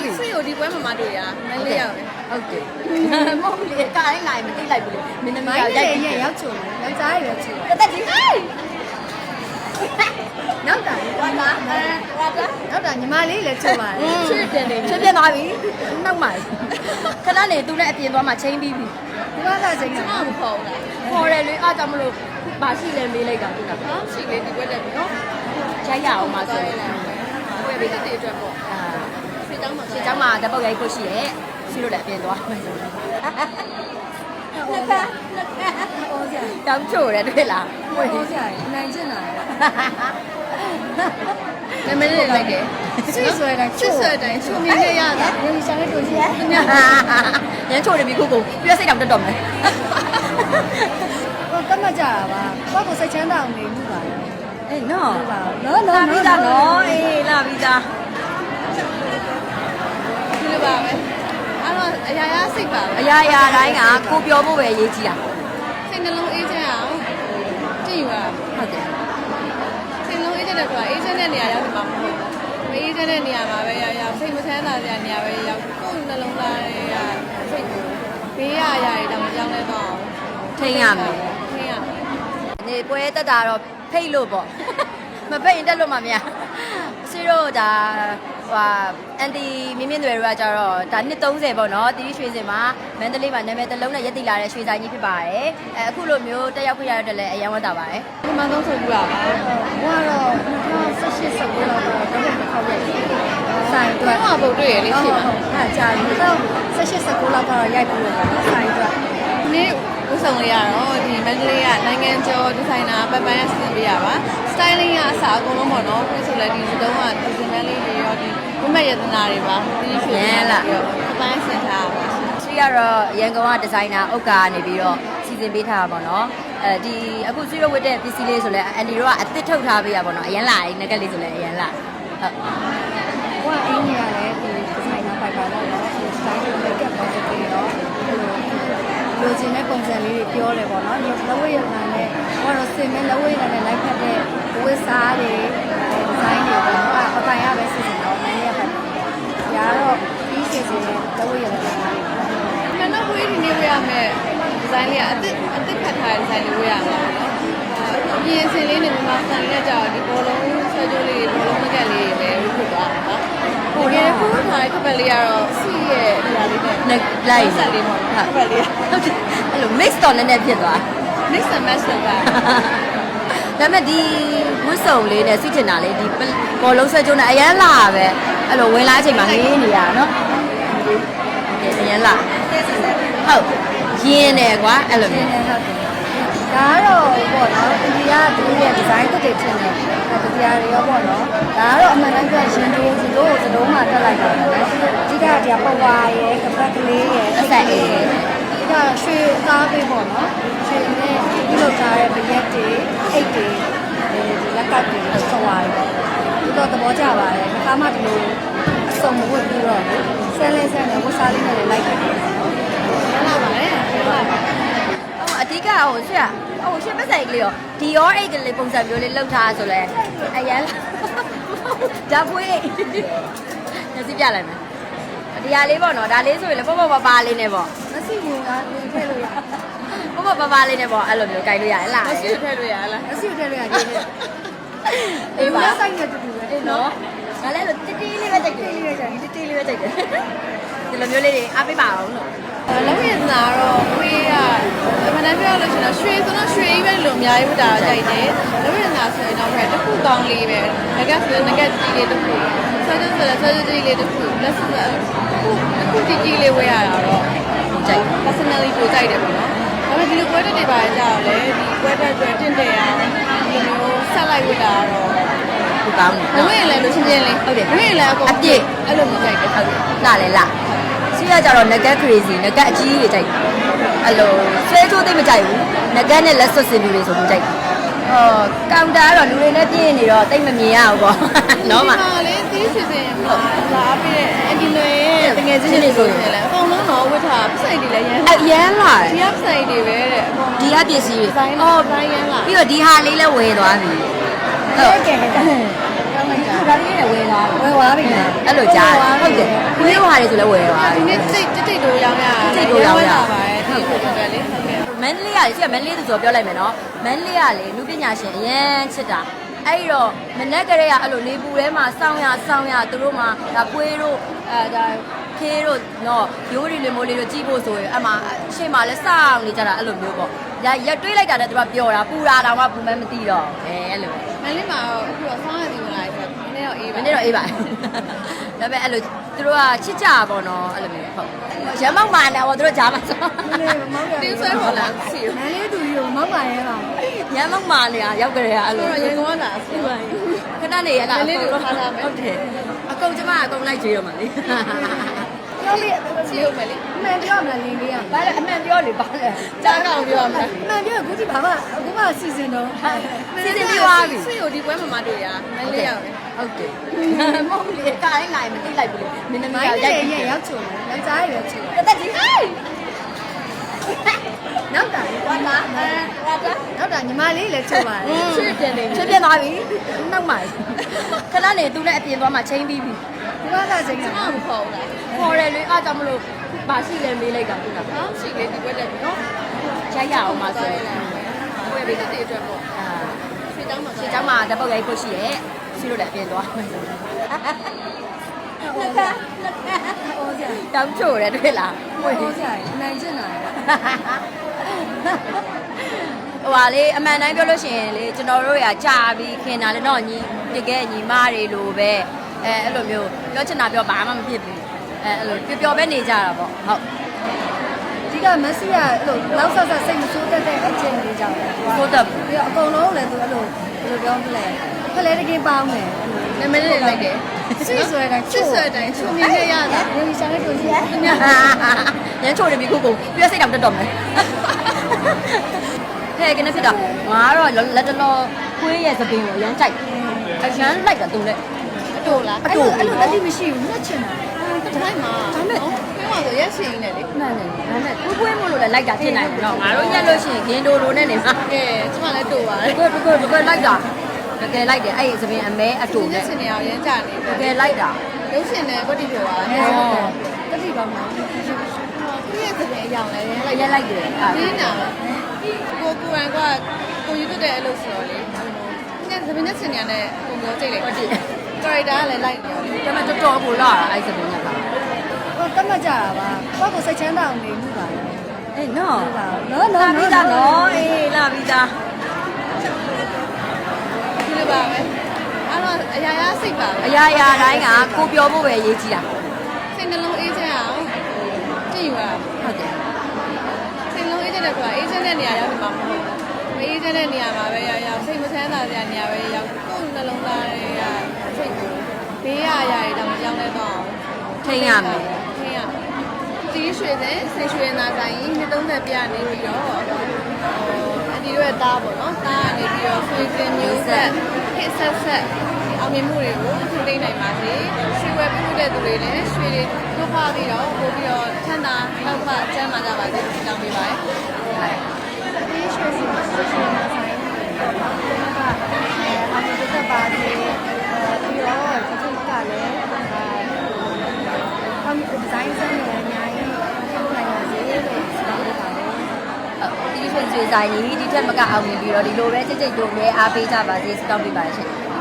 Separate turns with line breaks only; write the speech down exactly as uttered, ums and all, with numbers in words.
ပြီဆွေကိုဒီပွဲမှာမတွေ့ရမင်းလေးရောက်တယ်
ဟုတ်တယ်မဟုတ်လေကားတိုင်းလာရင်မသိလိုက်ဘူးလေမင်းသမီးရောက်ရိုက်ပြီးရောက်ချုံတယ်ယောက်ျားရွယ်ချုံတက်ကြီးနောက်တာဝါတာဝါတာနောက်တာညီမလေးလည်းချုံပါတယ်ချွေးပြန်နေချွေးပြန်သွားပြီနောက်မှခဏနေသူနဲ့အပြင်သွားမှချင်းပြီးပြီဒီကကချင်းကမဟုတ်ဘူးခေါ်တယ်လေအားကြောင့်မလို့ဘာရှိလဲမေးလိုက်တာသူကဟာရှိလေဒီပွဲတက်ပြီနော်ရိုက်ရအောင်ပါဆိုရင်ဝယ်ပြီးတဲ့အတွက်ပေါ့အာဆွေเจ้าမှာဆွေเจ้าမှာတပုတ်ရိုက်ဖို့ရှိရဲ့ဆွေတို့လည်းအပြင်သွားမယ်ဆိုတော့နှစ်ခါနှစ်ခါဟောကြတောင်းချိုတယ်တွေ့လားဟောကြနိုင်ကျင်တာလေမင်းလေးလိုက်တယ်ဆွေဆွဲတိုင်းဆွေဆွဲတိုင်းချိုမြင်ရရတာရင်းရှာလေးတို့ကြီးရရမ်းချိုတယ်ပြီခုကုန်ပြည့်စိတ်တောင်တက်တော့မယ်ဟိုကမကြတာပါဘာကိုစိတ်ချမ်းသာအောင်နေမှုပါအေးနော်နော်နော်လာပြီးသားနော်အေးလာပြီးသား
ဒီလိုပါပဲအဲ့တော့အရာရာစိတ်ပါပဲ
အရာရာတိုင်းကကိုပြောဖို့ပဲအရေးကြီးတာ
စိတ်နှလုံးအေးချမ်းအောင်ကြည့်ယူရ
ဟုတ်တယ်
စိတ်နှလုံးအေးချမ်းတဲ့ဆိုတာအေးချမ်းတဲ့နေရာရောက်မှာမဟုတ်ဘူးမအေးချမ်းတဲ့နေရာမှာပဲရောက်ရောက်စိတ်မချမ်းသာတဲ့နေရာပဲရောက်ကိုယ်နှလုံးသားတွေကစိတ်ကိုဘေးရအရာတွေတော့မကြောက်လဲတော့
ထိန်းရမယ်
ထိန်းရ
နေပွဲတက်တာတော့ဖိတ်လို့ပေါ့မဖိတ်ရင်တက်လို့မှမရဆွေတို့ဒါဟိုအန်တီမြင်းမြင်းတွေတွေကကြတော့ဒါနှစ်သုံးဆယ်ပေါ့နော်တီတီရွှေစင်မှာမန္တလေးမှာနာမည်တစ်လုံးနဲ့ရက်တည်လာတဲ့ရွှေဆိုင်ကြီးဖြစ်ပါတယ်အဲအခုလိုမျိုးတက်ရောက်ခွင့်ရတဲ့လည်းအရင်ဝတ်တာပါတယ်
ဒီမှာတော့ဆိုပြပါပါ
ဟိုကတော့၂၀၁၈ ၁၉လောက်တော့တော့ခေါက်ရိုက်ဆိုင်
အတွက်ဟောပုံတွေ့ရလေးရှိပါ
အဲကြာပြီ၂၀၁၈ ၁၉လောက်ကတော့ရိုက်ပြီးတော့ဆိုင်အတွက်
နေ့ဥဆောင်လေးရတော့ဒီမန္တလေးကနိုင်ငံကျော်ဒီဇိုင်နာပပန်းဆင်ပေးရပါ styling ကအစားအကုန်လုံးပေါ့နော်ပြီးဆိုလည်းဒီတုံးကဒီဇိုင်နာလေးတွေရောဒီဝတ်မဲ့ရတနာတွေပါဒီရွှေလားပပန်းဆင်ထားပါ
ဆွေကတော့ရန်ကုန်ကဒီဇိုင်နာဥက္ကာကနေပြီးတော့စီစဉ်ပေးထားတာပေါ့နော်အဲဒီအခုဆွေရဝတ်တဲ့ပစ္စည်းလေးဆိုလဲအန်တီတို့ကအသစ်ထုတ်ထားပေးရပေါ့နော်အရင်လာရင်ငကက်လေးဆိုလဲအရင်လာဟုတ်ဟိုကအင်းကြီးရတယ်ဒီဒီဇိုင်နာပိုက်ပါတော့နော်ဒီ style တွေ make up တွေပြီးတော့လိုချင်တဲ့ပုံစံလေးတွေပြောတယ်ပေါ့နော်။လက်ဝဲရနာနဲ့ဟောတော့စင်မဲ့လက်ဝဲရနာနဲ့လိုက်ဖက်တဲ့ဝတ်စားတွေဒီဇိုင်းတွေပေါ့နော်။အပိုင်ရပဲစစ်စစ်တော့မင်းရဖက်။ဒါကတော့ပြီးစီစီနဲ့လက်ဝဲရနာတွေ
။ကျွန်တော်ဝေးဒီနေ့ဝေးရမယ်ဒီဇိုင်းလေးကအစ်အစ်ဖက်ထားတဲ့ဒီဇိုင်းလေးဝေးရမှာနော်။ပြင်စင်လေးနဲ့မြန်မာစံလေးနဲ့ကြာဒီဘောလုံးဆွဲကြိုးလေးဘောလုံးမကက်လေးတွေလည်းဖြစ်သွားတာနော်။ဟိုရဲ့ဖူးထားတဲ့ခပ်လေးကတော့စီရဲ့နေရာလေးနဲ့
လိုက်
ဆက်လေးပေါ့ခပ်လေး
ဟုတ်တယ်အဲ့လို mix တော့နည်းနည်းဖြစ်သွား
mix and match လုပ်တာ
ဒါပေမဲ့ဒီဝတ်စုံလေးနဲ့ဆွချင်တာလေးဒီဘောလုံးဆွဲကြိုးနဲ့အရန်လာပဲအဲ့လိုဝင်လာအချိန်မှာငေးနေရတာနော်အရန်လာဟုတ်ရင်းနေကွာအဲ့လိုမျိုးဟုတ်တယ်ဒါကတော့ပေါ့နော်ဒီကသူရဲ့ design တစ်တွေထင်တယ်ဒီတရားတွေရောပေါ့နော်ဒါကတော့အမှန်တမ်းပြောရှင်တို့ဒီလိုစလုံးမှာတက်လိုက်တာပဲအဓိကတရားပဝါရယ်ကပတ်ကလေးရယ်အဆက်ရယ်ဒီကရွှေသားပေးပေါ့နော်ရွှေနဲ့ဒီလိုသားရဲ့ဗရက်တွေအိတ်တွေဒီလက်ကပ်တွေဆွာရယ်ဒီတော့သဘောကျပါတယ်ခါမှဒီလိုအစုံမဝတ်ပြီးတော့ဆဲလဲဆဲနဲ့ဝတ်စားလေးနဲ့လိုက်ခဲ့တယ်နော်
ရလာပါလေဟုတ်ပါ
အဓိကဟိုဆွေဟိုရှင်းပဆိုင်ကလေးရောဒီရောအိတ်ကလေးပုံစံမျိုးလေးလောက်ထားဆိုလဲအရန်ဓာတ်ပွေးညစီပြလိုက်မယ်ဒီဟာလေးပေါ့နော်ဒါလေးဆိုရင်လည်းပေါ့ပေါ့ပါပါလေးနဲ့ပေါ့မစီဘူးကထည့်လို့ရပေါ့ပေါ့ပါပါလေးနဲ့ပေါ့အဲ့လိုမျိုးကြိုက်လို့ရလား
မစီထည့်လို့ရလား
မစီထည့်လို့ရတယ်အေးပါဆိုင်ရတူတူပဲနော်ငါလည်းလိုတိတိလေးပဲကြိုက်တယ်တိတိလေးပဲကြိုက်တယ်တိတိလေးပဲကြိုက်တယ်ဒီလိုမျိုးလေးတွေအားပေးပါအောင်လို့
လက်ဝဲနာတော့ဝေးရမနက်ပြောလို့ရှိရင်ရွှေဆိုတော့ရွှေကြီးပဲလို့အများကြီးဝတ်တာကြိုက်တယ်လက်ဝဲနာဆိုရင်တော့တစ်ခုကောင်းလေးပဲငကဆိုရင်ငကကြီးလေးတစ်ခုဆောကျဆိုလည်းဆောကျကြီးလေးတစ်ခုလက်ဆိုအခုကြီးကြီးလေးဝေးရတာတော့
ကြိုက်
personally ကိုကြိုက်တယ်ပေါ့နော်ဒါပေမဲ့ဒီလိုပွဲတက်တွေပါကြတော့လေဒီပွဲတက်တွေတင့်တယ်အောင်ဒီလိုဆက်လိုက်ဝတ်တာတော့
ဟိုကောင်းတယ်
လက်ဝဲလည်းလို့ချင်းချင်းလေး
ဟုတ်တယ်
ဝေးလည်းအကုန်
အပြည့်
အဲ့လိုမျိုးကြိုက်တယ်
ဟုတ်လာလေလာစီးရကြတော့ငကက် crazy ငကက်အကြီးကြီးကြိုက်အဲ့လိုဆွဲချိုးသိမကြိုက်ဘူးငကက်နဲ့လက်ဆွတ်စင်လူတွေဆိုလို့ကြိုက်ဟောကောင်တာကတော့လူတွေနဲ့ပြင်းနေတော့တိတ်မမြင်ရဘူးပေါ့နော်မ
လေတီးစီစဉ်မှာလာပြီးတဲ့အဒီလွေတကယ်ချင်းတွေဆိုရင်လည်းအကုန်လုံးတော့ဝတ်ထားပစိုက်တွေလည်းရမ်း
အရမ်းလာ
ဒီကပစိုက်တွေပဲတဲ့အကုန်
ဒီကပစ္စည်း
အော်ဘိုင်းရမ်းလာ
ပြီးတော့ဒီဟာလေးလည်းဝယ်သွားပြီ
ဟုတ်ကဲ့ကဲ
ဒါလေးနဲ့ဝယ်သွား
ဝယ်သွားပြီလား
အဲ့လိုကြားဟုတ်တယ်ခွေးဟာတွေဆိုလဲဝယ်သွား
ဒီနေ့စိတ်တိတ်တိတ်တို့ရောင်းရပါတယ်ဒီလိုပဲလေဟုတ်ကဲ့
မန္တလေးကလေရှိရမန္တလေးသူဆိုပြောလိုက်မယ်နော်မန္တလေးကလေလူပညာရှင်အရန်ချစ်တာအဲ့တော့မနက်ကလေးကအဲ့လိုနေပူထဲမှာစောင်းရစောင်းရသူတို့မှာဒါပွေးတို့အဲဒါခေးတို့နော်ရိုးရီလေးမိုးလေးတို့ကြည့်ဖို့ဆိုရင်အမှရှေ့မှာလဲစောင်းနေကြတာအဲ့လိုမျိုးပေါ့ရရတွေးလိုက်တာနဲ့သူကပျော်တာပူတာတောင်မှပူမဲမသိတော့အဲအဲ့လို
မလေးမှာအခုတော့ဆောင်းရည်ဝင်လာတယ်ဆိုတော့နည်းတော့အေး
မ
ပါ
နေ့တော့အေးပါဒါပေမဲ့အဲ့လိုသူတို့ကချစ်ကြပါတော့အဲ့လိုမျိုးဟုတ်ရမောက်မာနေတော့သူတို့ကြားမှာဆို
တင်းဆွဲပေါ်လာစီ
မန်လေးသူကြီးကိုမောက်ပါရဲပါ
ရမောက်မာနေတာရောက်ကြရအဲ့လို
တော့ရေကောလာစီပါ
ခဏနေရလား
မလေးတို့ထားလာမယ်
ဟုတ်တယ်အကုန်ကျမအကုန်လိုက်ကြွေးတော့မှာလေ
ပြောလေ
စီရုပ်မယ်လေ
အမှန်ပြောမလားလင်းလေးอ่ะ
ဘာလဲအမှန်ပြောလေဘာလဲ
ကြားကောင်ပြောမှာ
အမှန်ပြောအခုဒီဘာမှအခုမှစီစဉ်တော့
စီစဉ်ပြီးသွားပြီ
စီကိုဒီပွဲမှာမတွေ့ရမလေးရောက်တယ်
ဟုတ်တယ်မဟုတ်လေကိုင်းလိုက်မသိလိုက်ဘူးလေမင်းသမီး
မိုင်း
ကရို
လေး
က်ပြီး
ရဲ့ရောက်ချုံတယ်ယောက်ျားရဲ့ရောက်ချုံ
တသက်ကြီးဟေး
နောက်တာ
ဝါတာအဲဝါတာ
နောက်တာညီမလေးလည်းချုံပါတယ်
ချွေးပြန်နေချွေးပြန်သွားပြီနောက်မှခဏနေသူနဲ့အပြင်သွားမှချင်းပြီးပြီ
ဒီကကချိန်က
မမခေါ်ဘူးလား
ခေါ်တယ်လေအားကြောင့်မလို့ဘာရှိလဲမေးလိုက်တာခုနက
ဟောရှိလေဒီပွဲတက်ပြီနော်
ရိုက်ရအောင်ပါဆိုရင်
ပွဲပြီးတဲ့အတွက်ပေါ့
အာ
ဆွေးကြောင်းမှာ
ဒီเจ้าမှာဓာတ်ပုတ်ရိုက်ဖို့ရှိရဲ့ရှိလို့လည်းအပြင်သွားမယ်ဆိုတော့လက်ခါလက်ခါ
ဟောကြ
တောင်းချိုတယ်တွေ့လား
ဟောကြနိုင်ချင်တာ
ဟိုပါလေအမှန်တိုင်းပြောလို့ရှိရင်လေကျွန်တော်တို့ရကြာပြီးခင်တာလေတော့ညီတကယ်ညီမတွေလိုပဲအဲအဲ့လိုမျိုးပြောချင်တာပြောဘာမှမဖြစ်ဘူးအဲအဲ့လိုပျော်ပျော်ပဲနေကြတာပေါ့ဟုတ်
ဒီကမက်ဆီကအဲ့လိုလောက်ဆက်ဆက်စိတ်မဆိုးတတ်တဲ့အချင်းလေးကြောင့်သူက
ကိုတော့
ပြီးတော့အကုန်လုံးလည်းသူအဲ့လိုဘယ်လိုပြောမလဲဖလဲတကင်းပေါင်းတယ်
နာမည်လေးလိုက်တယ်
ဆွဆွဲတိုင်း
ချစ်ဆွဲတိုင်းချုံမြင်ခဲ့ရတာ
ရုပ်ရှာလေးကိုကြည့်ရ
ရမ်းချိုတယ်ပြီခုကုန်ပြည့်စိတ်တောင်တက်တော့မယ်ဟဲ့ကနေဖြစ်တာငါကတော့လက်တလောခွေးရဲ့သပင်ကိုရမ်းကြိုက်အရမ်းလိုက်တာသူနဲ့
အတူလား
အဲ့လိုအဲ့လိုတတိမရှိဘူးညှက်ချင်တာ
တတိုင်းမှာဒါမဲ့ပြောမှာဆိုရက်ရှင်နေလေ
မှန်တယ်ဒါနဲ့ခွေးခွေးမို့လို့လည်းလိုက်တာဖြစ်နိုင်တယ်နော်ငါတို့ညက်လို့ရှိရင်ဂင်းတိုလိုနဲ့နေမှာ
ကဲကျမလည်းတူပါတယ်
ကိုကိုကိုကိုလိုက်တာတကယ်လိုက်တယ်အဲ့ဒီသပင်အမဲအတူ
ရက်
နဲ့
ရှင်နေအောင်ရမ်းကြနေ
တကယ်လိုက်တာ
ရုပ်ရှင်နဲ့ကွတိပြောပါ
အဲ
နဲ့
တတိပေါင်းမှာ
သူရဲ့သပင်အရောင်လည်းရမ်းလိုက်
ရက်လိုက်တယ်အဲ့
နင်းတာကိုကိုရန်ကကိုယူတက်တဲ့အလုပ်ဆိုတော့လေညသပင်နဲ့ရှင်နေရတဲ့ပုံမျိုးကြိတ်လိုက်ကွတိကာရက်တာကလည်းလိုက်တယ်
ဒါမှတော်တော်ကိုလာတာအဲ့ဒီသပင်က
ဟိုတတ်မှတ်ကြတာပါကိုယ့်ကိုစိတ်ချမ်းသာအောင်နေမှုပါလေ
အေးနော်
နော်
လာ
နော်
ပြီးသားနော်အေးလာပြီးသား
ဒီလိုပါပဲအဲ့တော့အရာရာစိတ်ပါပဲ
အရာရာတိုင်းကကိုပြောဖို့ပဲရေးကြည့်တာ
စိတ်နှလုံးအေးချမ်းအောင်ကြည့်ယူရ
ဟုတ်တယ်
စိတ်နှလုံးအေးချမ်းတဲ့ကွာအေးချမ်းတဲ့နေရာရောက်နေမှာမဟုတ်ဘူးမအေးချမ်းတဲ့နေရာမှာပဲရောက်ရောက်စိတ်မချမ်းသာတဲ့နေရာပဲရောက်ကိုယ်နှလုံးသားတွေကစိတ်ကိုဘေးရအရာတွေတော့မကြောက်နဲ့တော့
ထိန်းရမယ်
ထိန်းရတီးရွှေတဲ့စိတ်ရွှေနာဆိုင်နှစ်သုံးသက်ပြနေပြီးတော့အဒီရဲ့သားပေါ့နော်သားကနေပြီးတော့ဆွေစင်မျိုးဆက်ဟစ်ဆက်ဆက်အောင်မြင်မှုတွေကိုထိန်းသိမ်းနိုင်ပါစေရွှေဝယ်ပြုတဲ့သူတွေလည်းရွှေတွေထုတ်ဖားပြီးတော့ပို့ပြီးတော့ချမ်းသာထောက်ပံ့ကျန်းမာကြပါစေလို့တောင်းပေးပါတယ်
ဒီရွှေစီရွှေစီနာဆိုင်တော့ဘာလို့ကအာမတုတ်ပါစေပြီးတော့ဒီကလည်းအမ်ဒီဇိုင်းစမ်းနေအများကြီးထုတ်နိုင်ပါစေလို့ပြောပြပါတယ်
ဒီရွှေရွှေဆိုင်ကြီးဒီထက်မကအောင်မြင်ပြီးတော့ဒီလိုပဲကြိတ်ကြိတ်တို့လည်းအားပေးကြပါစေစတောင်းပေးပါရှင်